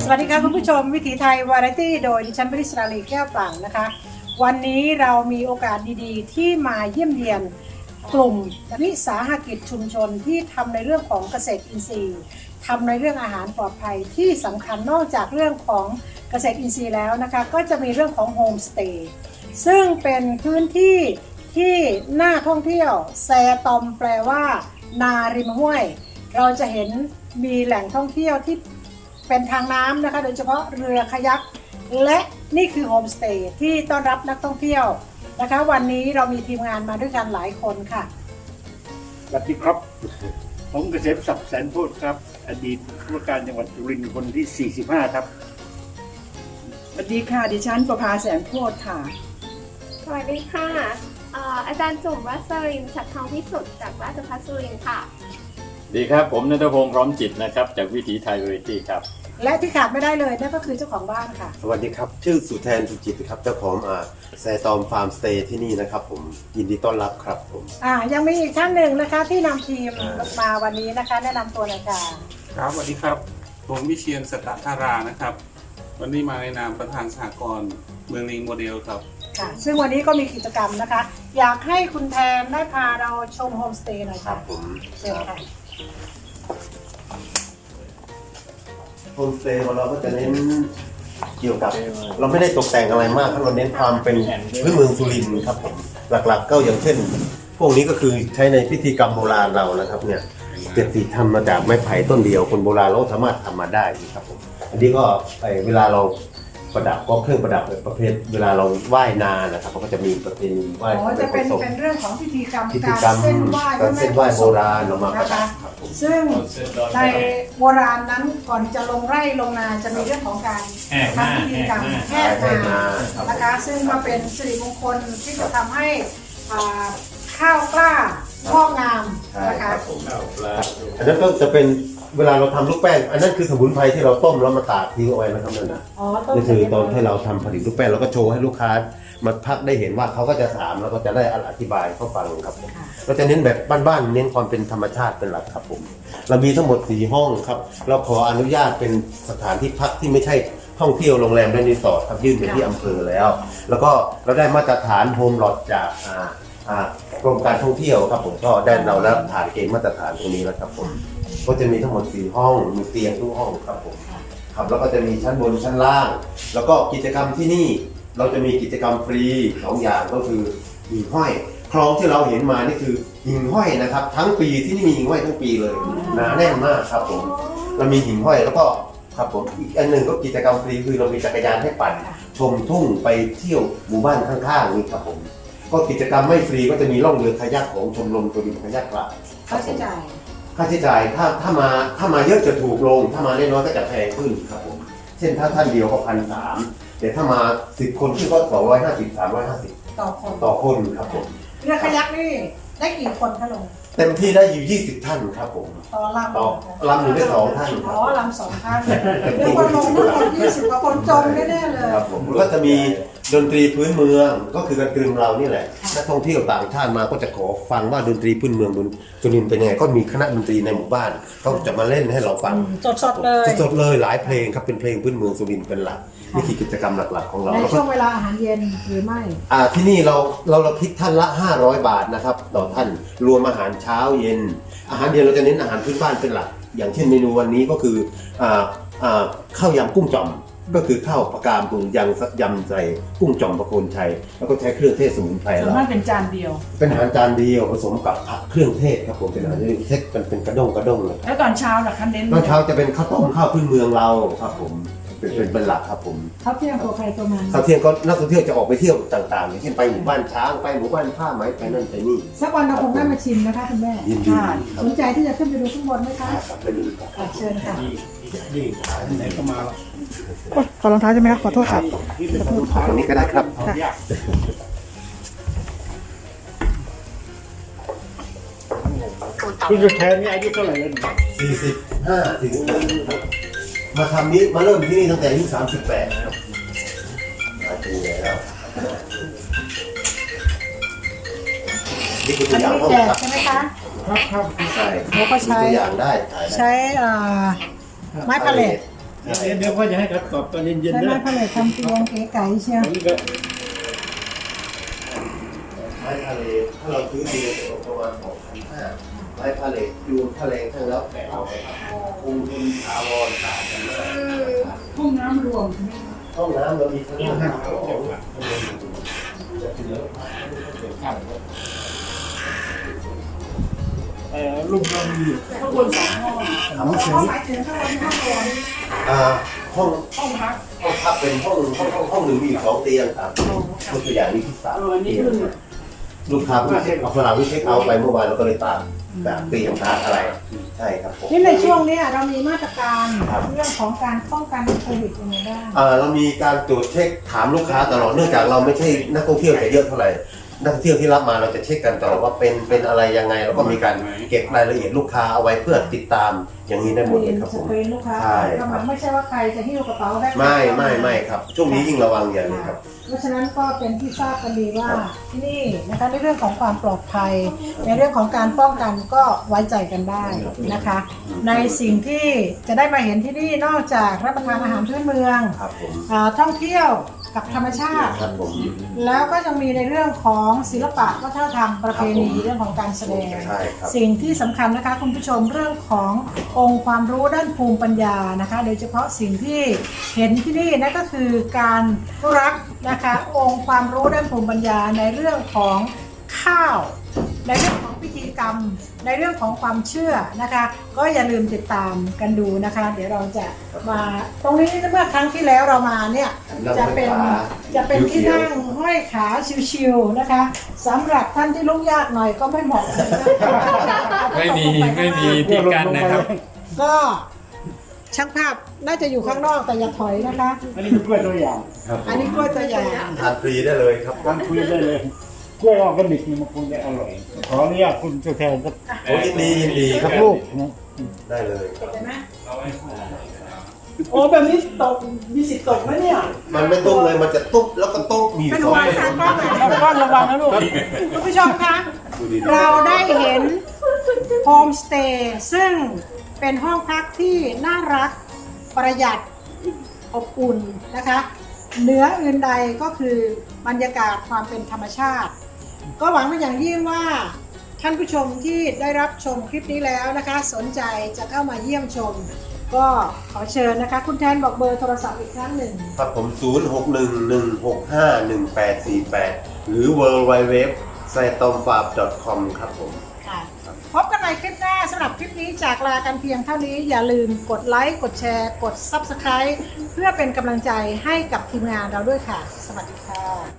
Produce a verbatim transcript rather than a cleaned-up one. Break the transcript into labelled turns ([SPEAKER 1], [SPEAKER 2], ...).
[SPEAKER 1] สวัสดีค่ะคุณผู้ชมวิถีไทยวาไรตี้โดยดิฉันปริศราลีแก้วปลั่งนะคะวันนี้เรามีโอกาสดีๆที่มาเยี่ยมเยียนกลุ่มวิสาหกิจชุมชนที่ทำในเรื่องของเกษตรอินทรีย์ทำในเรื่องอาหารปลอดภัยที่สำคัญนอกจากเรื่องของเกษตรอินทรีย์แล้วนะคะก็จะมีเรื่องของโฮมสเตย์ซึ่งเป็นพื้นที่ที่น่าท่องเที่ยวแซตอมแปลว่านาริมห้วยเราจะเห็นมีแหล่งท่องเที่ยวที่เป็นทางน้ำนะคะโดยเฉพาะเรือคายักและนี่คือโฮมสเตย์ที่ต้อนรับนักท่องเที่ยวนะคะวันนี้เรามีทีมงานมาด้วยกันหลายคนค่ะ
[SPEAKER 2] สวัสดีครับผมเกษมศักดิ์แสนโพธิ์ครับอดีตผู้ว่าการจังหวัดสุรินทร์คนที่สี่สิบห้าครับ
[SPEAKER 3] สวัสดีค่ะดิฉันประภาแสนโพธิ์ค่ะ
[SPEAKER 4] สวัสดีค่ะอาจารย์จุ่มวัชรินทร์ฉัตรทองพิสุทธิ์จากราชภัฏสุรินทร์ค่ะ
[SPEAKER 5] ดีครับผมณัฐพงษ์พร้อมจิตนะครับจากวิถีไทยวาไรตี้ครับ
[SPEAKER 1] และที่ขาดไม่ได้เลยนั่นก็คือเจ้าของบ้านค่ะ
[SPEAKER 6] สวัสดีครับชื่อสุแทนสุจิตครับเจ้าของอ่าแซตอมฟาร์มสเตย์ที่นี่นะครับผมยินดีต้อนรับครับผม
[SPEAKER 1] อ่ายังมีอีกท่านหนึ่งนะคะที่นำทีมมาวันนี้นะคะแนะนำตัวหน่อยค่ะ
[SPEAKER 7] ครับสวัสดีครับผมวิเชียรสตธารานะครับวันนี้มาในนามประธานสหกรณ์เมืองลิงโมเดลครับ
[SPEAKER 1] ค่ะซึ่งวันนี้ก็มีกิจกรรมนะคะอยากให้คุณแทนได้พาเราชมโฮมสเตย์หน่อยค่ะ
[SPEAKER 6] ผม
[SPEAKER 1] เชิญค่ะ
[SPEAKER 6] โฮมสเตย์ของเราก็จะเน้นเกี่ยวกับเราไม่ได้ตกแต่งอะไรมากเราเน้นความเป็นพื้นเมืองสุรินทร์ครับผมหลักๆก็อย่างเช่นพวกนี้ก็คือใช้ในพิธีกรรมโบราณเรานะครับเนี่ยเจ็ดสีทำมาจากไม้ไผ่ต้นเดียวคนโบราณเราสามารถทำมาได้ครับผมอันนี้ก็เวลาเราประดับก็เครื่องประดับประเภทเวลาเราไหว้นานะครับเขาก็จะมีประเพณีไหว้
[SPEAKER 1] อ๋อจะเป็นเป็นเรื่องของพิธีกรรม
[SPEAKER 6] พิธีกรรม
[SPEAKER 1] การเส้นไหว้
[SPEAKER 6] การเส้นไหว้โบราณเรามาประดับ
[SPEAKER 1] ซึ่งในโบราณนั้นก่อนจะลงไร่ลงนาจะมีเรื่องของการทำพิธีกรรมแห่นานะคะซึ่งมาเป็นสิริมงคลที่จะทำให้ข้าวกล้างอกงามนะคะ
[SPEAKER 6] อันนั้นก็จะเป็นเวลาเราทำลูกแป้งอันนั้นคือสมุนไพรที่เราต้มแล้วมาตากทิ้งเอาไว้นะครับนั่นนะนี่คือตอนที่เราทำผลิตลูกแป้งเราก็โชว์ให้ลูกค้ามาพักได้เห็นว่าเขาก็จะถามแล้วก็จะได้อธิบายเขาฟังครับผมเราจะเน้นแบบบ้านๆเน้นความเป็นธรรมชาติเป็นหลักครับผมเรามีทั้งหมดสี่ห้องครับเราขออนุญาตเป็นสถานที่พักที่ไม่ใช่ท่องเที่ยวโรงแรมและรีสอร์ทครับยื่นไปที่อำเภอแล้วแล้วก็เราได้มาตรฐานโฮมลอดจากกรมการท่องเที่ยวครับผมก็ได้เรารับฐานเกณฑ์มาตรฐานตรงนี้แล้วครับผมก็จะมีทั้งหมดสี่ห้องมีเตียงทุกห้องครับผมครับแล้วก็จะมีชั้นบนชั้นล่างแล้วก็กิจกรรมที่นี่เราจะมีกิจกรรมฟรีสองอย่างก็คือหิ่งห้อยคลองที่เราเห็นมานี่คือหิ่งห้อยนะครับทั้งปีที่นี่มีหิ่งห้อยทั้งปีเลยหนาแน่นมากครับผมเรามีหิ่งห้อยแล้วก็ครับผมอีกอันหนึ่งก็กิจกรรมฟรีคือเรามีจักรยานให้ปั่นชมทุ่งไปเที่ยวหมู่บ้านข้างๆนี่ครับผมก็กิจกรรมไม่ฟรีก็จะมีล่องเรือคายักของชมรมตัวดินคายักละ
[SPEAKER 1] ค่าใช้จ่าย
[SPEAKER 6] ค่าใช้จ่ายถ้าถ้ามาถ้ามาเยอะจะถูกลงถ้ามาน้อยก็จะแพงขึ้นครับผมเช่นถ้าท่านเดียวก็พันสามแต่ถ้ามาสิบคนขึ้นก็สองร้อยห้าสิบสามร้อยห้าสิบ
[SPEAKER 1] ต่อคน
[SPEAKER 6] ต่อคนครับผม
[SPEAKER 1] เรือคายักนี่ได้กี่คนคะลุง
[SPEAKER 6] เต็มที่ได้อยู่ยี่สิบท่านครับผม
[SPEAKER 1] ต่อลำ
[SPEAKER 6] ต่อลำหนึ่งได้สองท่าน
[SPEAKER 1] อ๋อลำสองท่านเดี๋ยวคนลงทั้งหมดยี่สิบกว่าคนจมแน่ๆเลย
[SPEAKER 6] ครับผมก็จะมีดนตรีพื้นเมืองก็คือการกลืนเรานี่แหละนักท่องเที่ยวต่างชาติมาก็จะขอฟังว่าดนตรีพื้นเมืองบนสุรินทร์เป็นยังไงก็มีคณะดนตรีในหมู่บ้านเขาจะมาเล่นให้เราฟัง
[SPEAKER 1] สดๆเลย
[SPEAKER 6] สดๆเลยหลายเพลงครับเป็นเพลงพื้นเมืองสุรินทร์เป็นหลักนี่คือกิจกรรมหลักๆของเรา
[SPEAKER 1] ในช่วงเวลาอาหารเย็นหรือไม่
[SPEAKER 6] อ่าที่นี่เราเราเราคิดท่านละห้าร้อยบาทนะครับต่อท่านรวมอาหารเช้าเย็นอาหารเย็นเราจะเน้นอาหารพื้นบ้านเป็นหลักอย่างเช่นเมนูวันนี้ก็คืออ่าอ่าข้าวยำกุ้งจ่อมก็คือข้าวปลากรามปรุงยังยำใส่กุ้งจ่อมประโคนชัยแล้วก็ใช้เครื่องเทศสมุนไพร
[SPEAKER 3] แล้วมันเป็นจานเดียว
[SPEAKER 6] เป็นอาหารจานเดียวผสมกับผักเครื่องเทศครับผมเป็นอาหารที่เทศเป็นเป็นกระด้งกระด้งเลย
[SPEAKER 3] แล้วตอนเช้าล่ะคะเน้น
[SPEAKER 6] ตอนเช้าจะเป็นข้าวต้มข้าวพื้นเมืองเราครับผมเป็นเป็นเป็นหลักครับผม
[SPEAKER 1] ข้าวเที่ยงตัวใครตัวมัน
[SPEAKER 6] ข้าวเที่ยงก็นักท่องเที่ยวจะออกไปเที่ยวต่างๆอย่างเช่นไปหมู่บ้านช้างไปหมู่บ้านผ้าไหมไปนั่นไปนี่
[SPEAKER 1] สักวันเราคงได้มาชิมนะคะคุณแม่
[SPEAKER 6] ยินดี
[SPEAKER 1] สนใจที่จะขึ้นไปดูข้างบนไหมคะ
[SPEAKER 6] ไปดูครับ
[SPEAKER 1] เชิญค่ะ
[SPEAKER 2] นี่ขายไหนก็มา
[SPEAKER 1] ขอรองเท้าใช่ไหมคะขอโทษครับ
[SPEAKER 6] ตรงนี้ก็ได้ครับ
[SPEAKER 2] คุณจะแทนนี่อายุเท่าไหร่แล้ว
[SPEAKER 6] สี่สิบห้าสี่สิบหกมาทำนี้มาเริ่มที่นี่ตั้งแต่อายุสามสิบแปดครับมาถึงแล้วนี่คือตัวอย่างห้องครับ
[SPEAKER 1] ใช่ไหมคะ
[SPEAKER 2] ครับครับ
[SPEAKER 6] ใช่
[SPEAKER 1] เขาก็ใช้
[SPEAKER 6] ตัวอย่างได้
[SPEAKER 1] ใช้ไม้พาเลท
[SPEAKER 2] เดี๋ยวพ่อจะให้เขาตอบตอนเย็น
[SPEAKER 1] ใช่
[SPEAKER 2] ๆ
[SPEAKER 1] ไหม
[SPEAKER 2] นะ
[SPEAKER 1] พ่อเลยทำตัวเก๋ไก๋เชียว
[SPEAKER 2] อันนี้ก็
[SPEAKER 6] ไม้ทะเลถ้าเราซื้อดีจะตกประมาณสองพันห้าไม้ทะเลยูนทะเลทั้งแล้วแต่เอาไปคงทุนถาวรต่างกันมาก
[SPEAKER 1] ห้องน้ำรวม
[SPEAKER 6] ห้องน้ำเรามีทั้งห้าของจะเหลือ
[SPEAKER 2] เอ่อรูปเรามีอยู่
[SPEAKER 3] ข้างบนสองห้อง
[SPEAKER 6] ถาม
[SPEAKER 1] เขาหมายถึงข้างบนห้องรวม
[SPEAKER 6] อ่าห้อง
[SPEAKER 3] ห้องพัก
[SPEAKER 6] ห้องพักเป็นห้องห้องห้องห้องหนึ่งมีอยู่สองเตียงครับตัวอย่างนี้ที่สาม
[SPEAKER 3] เอออันนี้คือ
[SPEAKER 6] ลูกค้าเพิ่งเช็คเอาฝรั่งเพิ่งเช็คเอาท์ไปเมื่อวานเราก็เลยตามแบบเตียงตาอะไรใช่ครับผม
[SPEAKER 1] นี่ในช่วงเนี้ยเรามีมาตรการ
[SPEAKER 6] ครับ
[SPEAKER 1] เรื่องของการป้องกันโควิดยังไงบ้าง
[SPEAKER 6] อ่าเรามีการตรวจเช็คถามลูกค้าตลอดเนื่องจากเราไม่ใช่นักท่องเที่ยวจะเยอะเท่าไหร่นักท่องเที่ยวที่รับมาเราจะเช็คกันตลอดว่าเป็นเป็นอะไรยังไงแล้วก็มีการเก็บรายละเอียดลูกค้าเอาไว้เพื่อติดตามอย่างนี้ได้หมดเลยครับ
[SPEAKER 1] ส
[SPEAKER 6] ผม
[SPEAKER 1] กรีนลูกค้า
[SPEAKER 6] ใช่
[SPEAKER 1] เข้ามาไม่ใช่ว่าใครจะหิ้วกระเป๋าได้
[SPEAKER 6] ไม่ไม่ไม่ครับช่วงนี้ยิ่งระวังอย่างนี้ครับ
[SPEAKER 1] เพราะฉะนั้นก็เป็นที่ทราบกันดีว่าที่นี่นะคะในเรื่องของความปลอดภัย ในเรื่องของการป้องกันก็ไว้ใจกันได้นะคะ ในสิ่งที่จะได้มาเห็นที่นี่นอกจากรับประทานอาหารพื้นเมือง
[SPEAKER 6] ครับผม
[SPEAKER 1] อ่าท่องเที่ยวกับธรรมชาติ
[SPEAKER 6] ครับผม
[SPEAKER 1] แล้วก็ยังมีในเรื่องของศิลปะวัฒนธรรมประเพณีเรื่องของการแสดง
[SPEAKER 6] ใช่ครับ
[SPEAKER 1] สิ่งที่สำคัญนะคะคุณผู้ชมเรื่องขององค์ความรู้ด้านภูมิปัญญานะคะ โดยเฉพาะสิ่งที่เห็นที่นี่นั่นก็คือการรักนะคะองค์ความรู้ด้านภูมิปัญญาในเรื่องของข้าว ในเรื่องของพิธีกรรม ในเรื่องของความเชื่อนะคะ ก็อย่าลืมติดตามกันดูนะคะ เดี๋ยวเราจะมาตรงนี้เมื่อครั้งที่แล้วเรามาเนี่ยจะเป็นจะเป็นที่นั่งห้อยขาชิวๆนะคะสำหรับท่านที่ลุกยากหน่อยก็ไม่เหมาะ
[SPEAKER 5] ไม่มีไม่มีที่กั้นนะครับ
[SPEAKER 1] ก็ช่างภาพน่าจะอยู่ข้างนอกแต่อย่าถอยนะคะ
[SPEAKER 2] อันนี้เป็นกล้วยตัวอย่าง
[SPEAKER 6] ครับผ
[SPEAKER 1] อัน
[SPEAKER 6] ม
[SPEAKER 1] นี้กล้วยตัวอย่าง
[SPEAKER 6] ทานฟรีได้เลยครับ
[SPEAKER 2] ทานคุยได้เลยกล้วยออร์แกนิกนี่มันคงจะอร่อยขออนุญาตคุณตัวแทนก็
[SPEAKER 6] โอ้ยินดียินดีค
[SPEAKER 2] สั
[SPEAKER 6] รับ
[SPEAKER 2] กลูกนะ
[SPEAKER 6] ได้เลย
[SPEAKER 1] เห็นไหม
[SPEAKER 3] โอ้แบบนี้ตกมีสิทธิ์ตกไหมเนี่ย
[SPEAKER 6] มันไม่ตุ้มเลยมันจะตุ๊บแล้วก็ตุ๊บมีอยู่
[SPEAKER 1] เป็น
[SPEAKER 6] สอง
[SPEAKER 1] วัน
[SPEAKER 6] แบบ
[SPEAKER 1] ทางกล้องหน่อย
[SPEAKER 2] ต้องก้อนระวังนะลูก
[SPEAKER 1] คุณผู้ชมคะ
[SPEAKER 6] ดูดีๆ
[SPEAKER 1] เราได้เห็นโฮมสเตย์ซึ่งเป็นห้องพักที่น่ารักประหยัดอบอุ่นนะคะเหนืออื่นใดก็คือบรรยากาศความเป็นธรรมชาติ ก็หวังเป็นอย่างยิ่งว่าท่านผู้ชมที่ได้รับชมคลิปนี้แล้วนะคะ สนใจจะเข้ามาเยี่ยมชม ก็ขอเชิญนะคะ คุณแทนบอกเบอร์โทรศัพท์อีกครั้งหนึ่ง
[SPEAKER 6] ครับผม ศูนย์ หก หนึ่ง หนึ่ง หก ห้า หนึ่ง แปด สี่ แปด หรือ ดับเบิลยู ดับเบิลยู ดับเบิลยู ดอท ไซตอมฟาร์ม ดอท คอม ครับผม
[SPEAKER 1] ค่ะพบกันใหม่คลิปหน้าสำหรับคลิปนี้จากลากันเพียงเท่านี้อย่าลืมกดไลค์ กดแชร์ กด ซับสไครบ์ เพื่อเป็นกำลังใจให้กับทีมงานเราด้วยค่ะ สวัสดีค่ะ